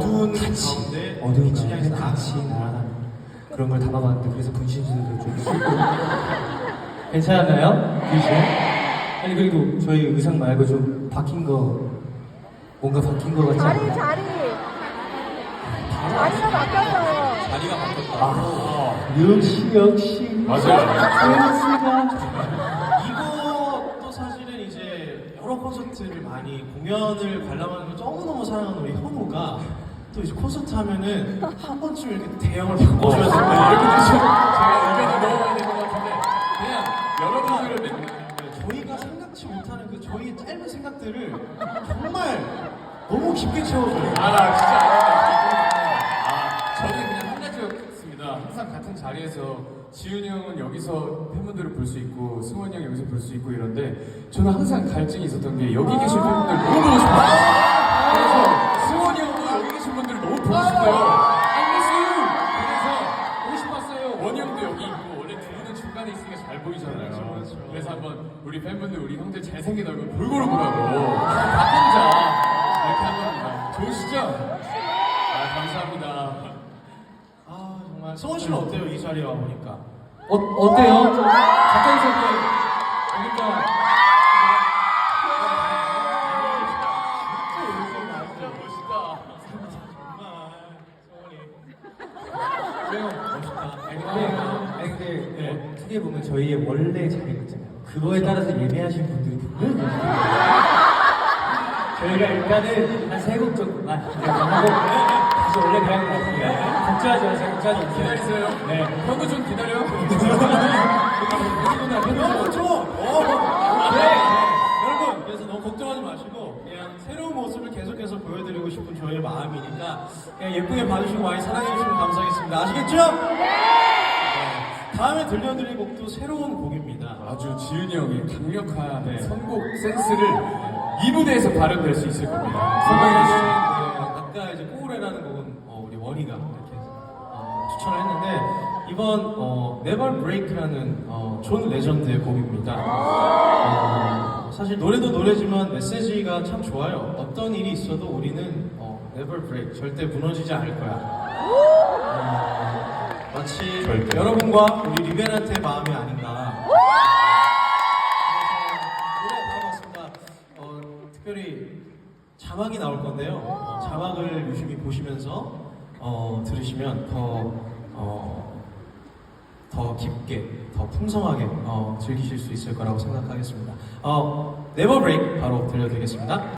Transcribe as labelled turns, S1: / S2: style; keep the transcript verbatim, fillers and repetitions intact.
S1: 어두운
S2: 같이,
S1: 가운데
S2: 어두운
S1: 빛이
S2: 가운데
S1: 향해서
S2: 같이
S1: 나아가는
S2: 날아가는 그런 걸 담아봤는데 그래서 분신술도 좀 쓰고 괜찮았나요? 귀신? 아니 그리고 저희 의상 말고 좀 바뀐 거 뭔가 바뀐 거 같지
S3: 자리
S2: 않나요?
S3: 자리 자리가 바뀌었어요.
S1: 자리가 바뀌었다.
S2: 아, 역시 역시
S4: 맞아요.
S1: 이것도 사실은 이제 여러 콘서트를 많이 공연을 관람하는 걸 너무너무 사랑하는 우리 현우가 또 이제 콘서트 하면은 한 번쯤 이렇게 대형을 바꿔줘야 된다. 이렇게 좀
S4: 제가 의견이 너무 많이 된 것 같은데 그냥 여러분들을 내
S1: 저희가 생각지 못하는 그 저희의 짧은 생각들을 정말 너무 깊게 채워줘요.
S4: 아 진짜 아 저는 그냥 한 가지였습니다. 항상 같은 자리에서 지훈이 형은 여기서 팬분들을 볼 수 있고 승원이 형 여기서 볼 수 있고 이런데 저는 항상 갈증이 있었던 게 여기 계신 팬분들 너무 보고 싶어요. 그래서 승원이 형도 여기 계신 분들을 너무 보고 싶어요. I miss you. 그래서 보고 싶었어요. 원희 형도 여기 있고 원래 두 분은 중간에 있으니까 잘 보이잖아요.
S1: 그렇죠, 그렇죠.
S4: 그래서 한번 우리 팬분들 우리 형들 잘생긴 얼굴 골고루 보라고 각자 이렇게 한 겁니다. 좋으시죠? 아 감사합니다.
S1: 아 정말 성원 씨는 어때요? 이 자리에 와 보니까.
S2: 어, 어때요? 좀 가까이서 이렇게 보니까
S4: 진짜 멋있다.
S2: 그래요.
S1: 멋있다.
S2: 아니 근데, 아니 근데 네. 어떻게 보면 저희의 원래 자리가 있잖아요. 그거에 따라서 예매하신 분들이 분명히 계시거든요. 저희가 일단은 한 세 곡 정도만 하고 다시 원래 그냥 가겠습니다. 걱정하지 마세요. 걱정하지 마세요.
S4: 기다리세요.
S2: 네.
S4: 형도 좀 기다려.
S1: 여러분 좀! 어. 네. 여러분 그래서 너무 걱정하지 마시고 그냥 새로운 모습을 계속해서 보여드리고 싶은 저희의 마음이니까 그냥 예쁘게 봐주시고 많이 사랑해주시면 감사하겠습니다. 아시겠죠? 네. 다음에 들려드릴 곡도 새로운 곡입니다.
S4: 아주 지훈이 형의 강력한
S1: 네.
S4: 선곡 센스를 이 무대에서 발현될 수 있을 겁니다.
S1: 선곡에는
S4: 선곡해주시죠.
S1: 아까 이제 꼬우레라는 곡은 어, 우리 원희가 이렇게 어, 추천을 했는데 이번 어, Never Break라는 어, 존 레전드의 곡입니다. 어, 사실 노래도 노래지만 메시지가 참 좋아요. 어떤 일이 있어도 우리는 어, Never Break, 절대 무너지지 않을 거야. 어, 마치
S4: 절대.
S1: 여러분과 우리 리벤한테의 마음이 아닌가. 노래 바로 봤습니다. 어, 특별히 자막이 나올 건데요. 어, 자막을 유심히 보시면서 어, 들으시면 더, 어, 더 깊게, 더 풍성하게 어, 즐기실 수 있을 거라고 생각하겠습니다. 어, Never Break 바로 들려드리겠습니다.